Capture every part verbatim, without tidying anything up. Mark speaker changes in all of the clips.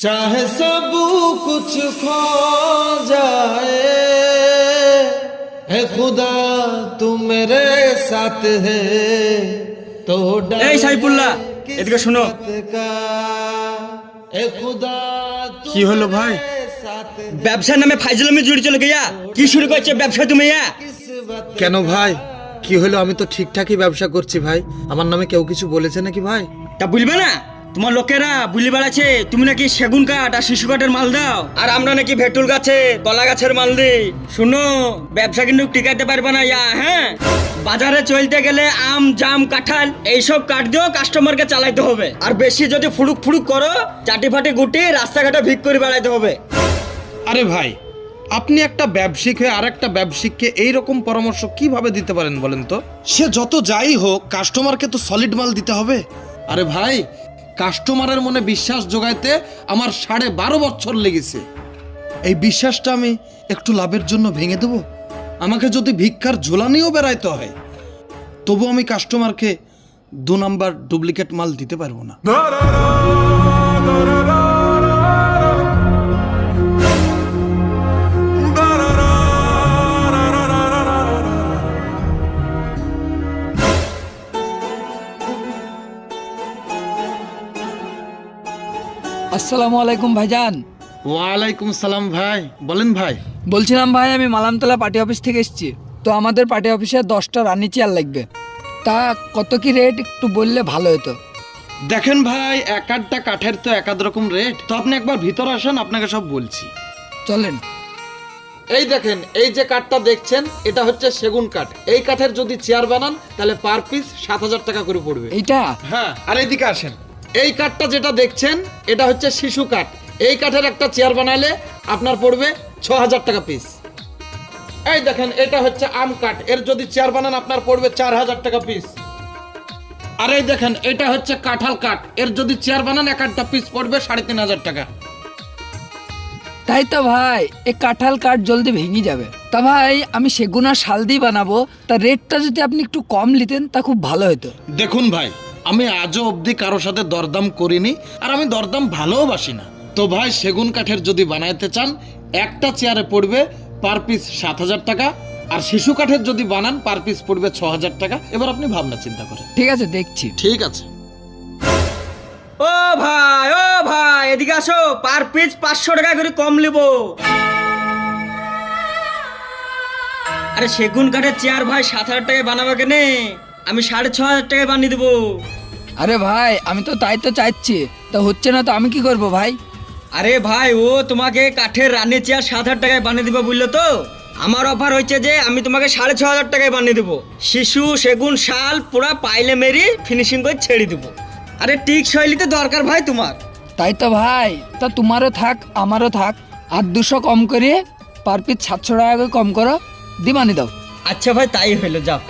Speaker 1: चाहे सब कुछ खो जाए है खुदा तू मेरे साथ है तो डर
Speaker 2: এই সাইফুল্লাহ, এদিকে শোনো।
Speaker 1: এ খুদা
Speaker 3: কি হলো ভাই?
Speaker 2: ব্যবসার নামে ফাইজলামি জুড়ে চলে গিয়া কি শুরু করছে ব্যবসা তুমি?
Speaker 3: কেন ভাই, কি হলো? আমি তো ঠিকঠাকই ব্যবসা করছি ভাই। আমার নামে কেউ কিছু বলেছে নাকি ভাই?
Speaker 2: তা বুঝবে না, তোমার লোকেরা বুলি বেড়াচ্ছে তুমি নাকি সেগুন কাঠ আর শিশু কাঠের মাল দাও, আর আমরা নাকি ভেটুল গাছে কলা গাছের মাল দিই। শুনো, ব্যবসা কিন্তু টিকাতে পারবে না ইয়া। হ্যাঁ, বাজারে চলতে গেলে আম জাম কাঁঠাল এইসব কাঠ দিয়েও কাস্টমারকে চালাইতে হবে, আর বেশি যদি ফুড়ুক ফুড়ুক করো চাটি ফাটি গুটি রাস্তাঘাটে ভিক করে বেড়াইতে হবে।
Speaker 3: আরে ভাই, আপনি একটা ব্যবসায়িক হয়ে আর একটা ব্যবসায়িককে এইরকম পরামর্শ কিভাবে দিতে পারেন বলেন তো? সে যত যাই হোক, কাস্টমারকে তো সলিড মাল দিতে হবে। আরে ভাই, কাস্টমারের মনে বিশ্বাস জোগাইতে আমার সাড়ে বারো বছর লেগেছে। এই বিশ্বাসটা আমি একটু লাভের জন্য ভেঙে দেব? আমাকে যদি ভিক্ষার ঝোলা নিয়েও বেড়াইতে হয়, তবু আমি কাস্টমারকে দু নাম্বার ডুপ্লিকেট মাল দিতে পারবো না।
Speaker 4: আসসালামু আলাইকুম ভাইজান।
Speaker 3: ওয়ালাইকুম সালাম ভাই, বলেন ভাই।
Speaker 4: বলছিলাম ভাই, আমি মালামতলা পার্টি অফিস থেকে এসেছি। তো আমাদের পার্টি অফিসে দশটা রানি চেয়ার লাগবে। তা কত কি রেট একটু বললে ভালো হতো।
Speaker 3: দেখেন ভাই, এক আধটা কাঠের তো এক আধ রকম রেট। তো আপনি একবার ভিতর আসেন, আপনাকে সব বলছি।
Speaker 4: চলেন।
Speaker 3: এই দেখেন, এই যে কাঠটা দেখছেন, এটা হচ্ছে সেগুন কাঠ। এই কাঠের যদি চেয়ার বানান তাহলে পার পিস সাত হাজার টাকা করে পড়বে।
Speaker 4: এইটা?
Speaker 3: হ্যাঁ। আর এইদিকে আসেন, এই কাঠটা যেটা দেখছেন এটা হচ্ছে শিশু কাঠ। এই কাঠের একটা চেয়ার বানালে আপনার পড়বে ছ হাজার টাকা পিস। এই দেখেন, এটা হচ্ছে আম কাঠ। এর যদি চেয়ার বানান আপনার পড়বে চার হাজার টাকা পিস। আর এই দেখেন, এটা হচ্ছে কাঁঠাল কাঠ। এর যদি চেয়ার বানান এক একটা পিস পড়বে সাড়ে তিন হাজার টাকা।
Speaker 4: তাই তো ভাই, এই কাঁঠাল কাঠ জলদি ভেঙে যাবে। তা ভাই, আমি সেগুন আর শাল দিয়ে বানাবো, তা রেটটা যদি আপনি একটু কম নিতেন তা খুব ভালো হতো।
Speaker 3: দেখুন ভাই, আমি আজও অবধি কারোর সাথে দরদাম করিনি, আর আমি দরদাম ভালোবাসি না। তো ভাই, সেগুন কাঠের যদি বানাইতে চান, একটা চেয়ারে পড়বে পার পিস সাত হাজার টাকা, আর শিশু কাঠের যদি বানান পার পিস পড়বে ছ হাজার টাকা। এবার আপনি ভাবনা চিন্তা করেন।
Speaker 4: ঠিক আছে, দেখছি।
Speaker 3: ঠিক আছে।
Speaker 2: ও ভাই, ও ভাই, এদিকে আসো। পার পিস পাঁচশো টাকা করে কম নেব। আরে সেগুন কাঠের চেয়ার ভাই সাত হাজার টাকায় বানাবো কেনে? আমি সাড়ে ছ হাজার টাকায় বানিয়ে দেবো।
Speaker 4: আরে ভাই, আমি তো তাই তো চাইছি, তা হচ্ছে না তো আমি কি করব ভাই?
Speaker 2: আরে ভাই, ও তোমাকে কাঠের রানী চেয়ার সাত হাজার টাকায় বানিয়ে দেবো বুঝলো তো? আমার অফার হচ্ছে যে আমি তোমাকে সাড়ে ছ হাজার টাকায় বানিয়ে দেবো। শিশু সেগুন শাল পুরা পাইলে মেরি ফিনিশিং করে ছেড়ে দেবো। আরে টিক শৈলীতে দরকার ভাই তোমার।
Speaker 4: তাই তো ভাই, তা তোমারও থাক আমারও থাক, আর দুশো কম করে পার পিস সাতশো টাকা করে কম করো, দি বানিয়ে দাও।
Speaker 2: আচ্ছা ভাই, তাই হইলো, যাও।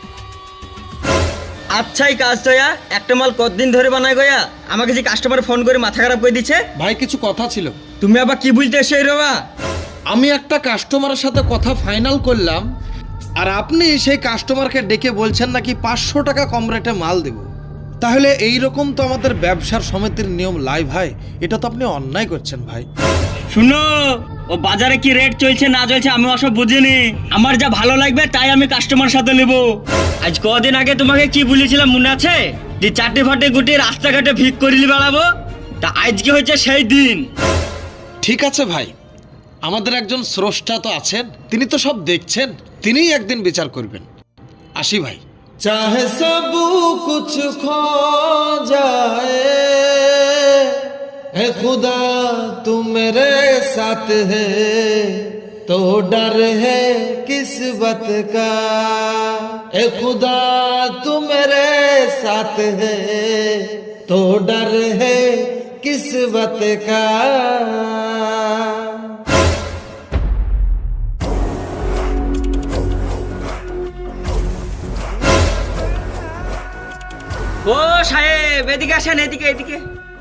Speaker 2: আচ্ছা, এই কাজ তো ইয়া একটা মাল কতদিন ধরে বানায় গয়া? আমাকে যে কাস্টমার ফোন করে মাথা খারাপ করে দিচ্ছে।
Speaker 3: ভাই, কিছু কথা ছিল।
Speaker 2: তুমি আবার কি বুঝতে এসে রবা?
Speaker 3: আমি একটা কাস্টমারের সাথে কথা ফাইনাল করলাম, আর আপনি সেই কাস্টমারকে ডেকে বলছেন নাকি পাঁচশো টাকা কম রেটে মাল দেব। তাহলে এই রকম তো আমাদের ব্যবসার সমিতির নিয়ম লাই ভাই। এটা তো আপনি অন্যায় করছেন ভাই।
Speaker 2: শুনো, ও বাজারে কি রেট চলছে না চলছে আমি ওসব বুঝিনি। আমার যা ভালো লাগবে তাই আমি কাস্টমার সাথে নেব। আজ কদিন আগে তোমাকে কি বলেছিলাম মনে আছে? যে চারটে ফাটে গুটি রাস্তাঘাটে ভিক করিলি বেড়াবো। তা আজকে হচ্ছে সেই দিন।
Speaker 3: ঠিক আছে ভাই, আমাদের একজন স্রষ্টা তো আছেন, তিনি তো সব দেখছেন, তিনিই একদিন বিচার করবেন। আসি ভাই।
Speaker 1: चाहे सब कुछ खो जाए है खुदा तू मेरे साथ है तो डर है किस्मत का है खुदा तू मेरे साथ है तो डर है किस्मत का।
Speaker 2: ও সাহেব, এদিকে আসেন, এদিকে এদিকে।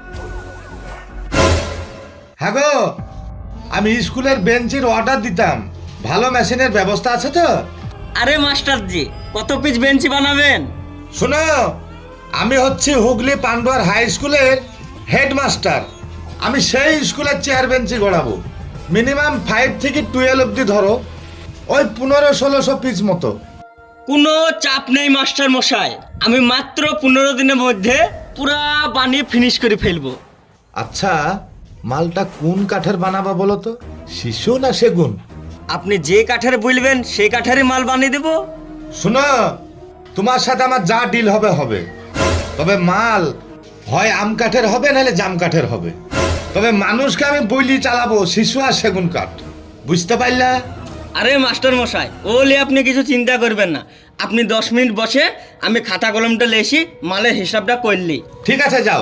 Speaker 5: হ্যাঁ গো, আমি স্কুলের বেঞ্চের অর্ডার দিতাম, ভালো মেশিনের ব্যবস্থা আছে তো?
Speaker 2: আরে মাস্টার জি, কত পিস বেঞ্চি বানাবেন?
Speaker 5: শোনো, আমি হচ্ছি হুগলি পান্ডুয়ার হাই স্কুলের হেডমাস্টার। আমি সেই স্কুলের চেয়ার বেঞ্চি গড়াবো। মিনিমাম ফাইভ থেকে টুয়েলভ অব্দি ধরো, ওই পনেরো ষোলোশো পিস মতো।
Speaker 2: কোনো চাপ নেই মাস্টার মশাই, আমি মাত্র পনেরো দিনের মধ্যে পুরা বানিয়ে ফিনিশ করে ফেলবো।
Speaker 5: আচ্ছা, মালটা কোন কাঠের বানাবা বলো তো, শিশু না সেগুন?
Speaker 2: আপনি যে কাঠের বলবেন সেই কাঠেরই মাল বানিয়ে দেবো।
Speaker 5: শোনো, তোমার সাথে আমার যা ডিল হবে হবে, তবে মাল হয় আম কাঠের হবে নাহলে জাম কাঠের হবে। তবে মানুষকে আমি বইলি চালাবো শিশু আর সেগুন কাঠ, বুঝতে পারলা?
Speaker 2: আরে মাস্টার মশাই, ওলে আপনি কিছু চিন্তা করবেন না, আপনি দশ মিনিট বসে আমি খাতা কলমটা লেসি মালের হিসাবটা করলি।
Speaker 5: ঠিক আছে, যাও।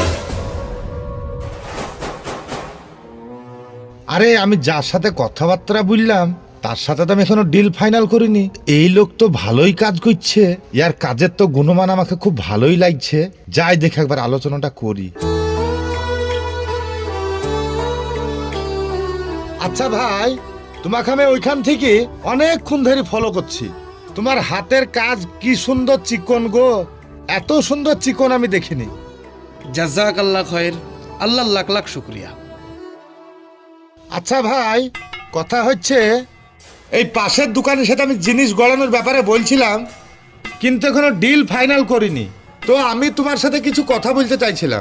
Speaker 5: আরে আমি যার সাথে কথাবার্তা বললাম তার সাথে তো আমি এখনো ডিল ফাইনাল করিনি। এই লোক তো ভালোই কাজ করছে, ইয়ার কাজের তো গুণমান আমাকে খুব ভালোই লাগছে। যাই দেখে একবার আলোচনাটা করি। আচ্ছা ভাই, তোমাকে আমি ওইখান থেকে অনেকক্ষণ ধরে ফলো করছি। তোমার হাতের কাজ কি সুন্দর চিকন গো, এত সুন্দর চিকন আমি দেখিনি।
Speaker 3: জাজাক আল্লাহ খয়ের, আল্লাহ লাখ লাখ শুক্রিয়া।
Speaker 5: আচ্ছা ভাই, কথা হচ্ছে এই পাশের দোকানের সাথে আমি জিনিস গড়ানোর ব্যাপারে বলছিলাম, কিন্তু এখনো ডিল ফাইনাল করিনি। তো আমি তোমার সাথে কিছু কথা বলতে চাইছিলাম।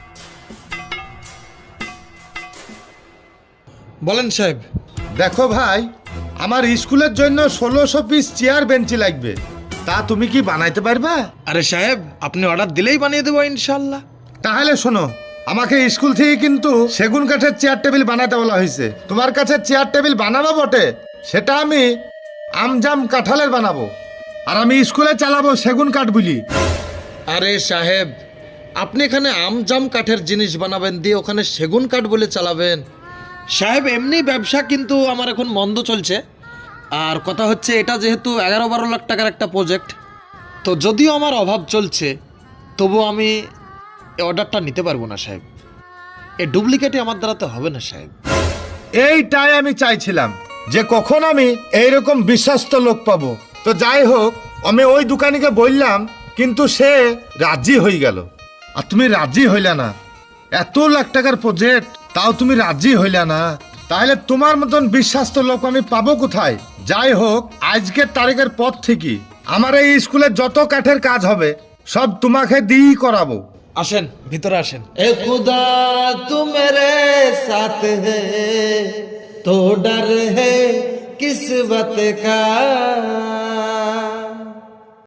Speaker 3: বলেন সাহেব।
Speaker 5: দেখো ভাই, আমার স্কুলের জন্য ষোলোশো পিস চেয়ার বেঞ্চি লাগবে, তা তুমি কি বানাইতে পারবা?
Speaker 3: আরে সাহেব, আপনি অর্ডার দিলেই বানিয়ে দেবো ইনশাল্লাহ।
Speaker 5: তাহলে শোনো, আমাকে স্কুল থেকে কিন্তু সেগুন কাঠের চেয়ার টেবিল বানাতে বলা হয়েছে। তোমার কাছে চেয়ার টেবিল বানাবো বটে, সেটা আমি আমজাম কাঁঠালের বানাবো, আর আমি স্কুলে চালাবো সেগুন কাঠ বলি।
Speaker 3: আরে সাহেব, আপনি এখানে আমজাম কাঠের জিনিস বানাবেন দিয়ে ওখানে সেগুন কাঠ বলে চালাবেন? সাহেব, এমনি ব্যবসা কিন্তু আমার এখন মন্দ চলছে। আর কথা হচ্ছে, এটা যেহেতু এগারো বারো লাখ টাকার একটা প্রজেক্ট, তো যদিও আমার অভাব চলছে, তবু আমি এই অর্ডারটা নিতে পারবো না সাহেব। এই ডুপ্লিকেটই আমার দ্বারা তো হবে না সাহেব।
Speaker 5: এইটাই আমি চাইছিলাম, যে কখন আমি এইরকম বিশ্বস্ত লোক পাবো। তো যাই হোক, আমি ওই দোকানিকে বললাম, কিন্তু সে রাজি হয়ে গেল। আর তুমি রাজি হইলা না, এত লাখ টাকার প্রজেক্ট, তাও তুমি রাজি হইলা না, তাহলে তোমার মতন বিশ্বস্ত লোক আমি পাবো কোথায়? যাই হোক, আজকের তারিখের পর থেকে আমার এই স্কুলে যত কাঠের কাজ হবে সব তোমাকে দিয়েই করাবো।
Speaker 3: আসেন, ভিতরে আসেন।
Speaker 1: ए खुदा तू मेरे साथ है तो डर है किस बात का।